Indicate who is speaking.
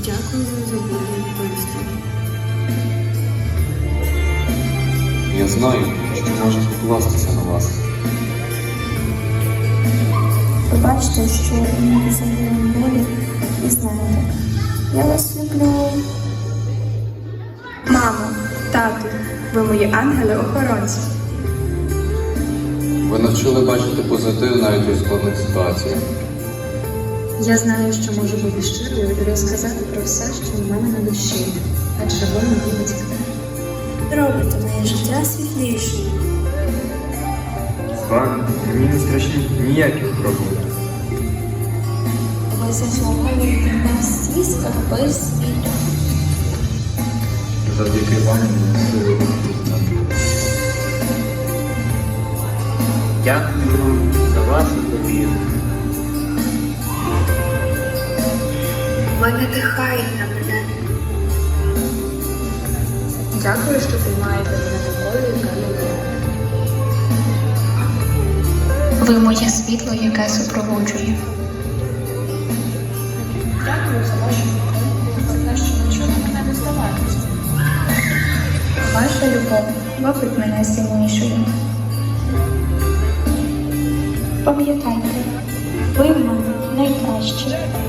Speaker 1: Дякую за забаву відповісти.
Speaker 2: Я знаю, що можу покластися на вас.
Speaker 3: Побачте, що не задаємо болі і знаєте. Я вас люблю.
Speaker 4: Мамо, тату, ви мої ангели-охоронці.
Speaker 2: Ви навчили бачити позитив навіть у складних ситуаціях.
Speaker 1: Я знаю, що можу бути щирою і розказати про все, що в мене на душі, адже ви мої батьки.
Speaker 3: Робите моє життя світлішим.
Speaker 5: З вами мені не страшні ніяких проблем.
Speaker 3: Ви заслуговуєте на всі скарби світу.
Speaker 5: Завдяки вам ми сили виходимо. Дякую вам за вашу довіру.
Speaker 4: Ви надихаєте мене.
Speaker 1: Дякую, що приймаєте мене такою, яка я є.
Speaker 6: Ви моє світло, яке супроводжує.
Speaker 1: Дякую за вашу підтримку, за те, що навчили мене не здаватися.
Speaker 6: Ваша любов робить мене сильнішою.
Speaker 3: Пам'ятайте, ви в мене найкращі.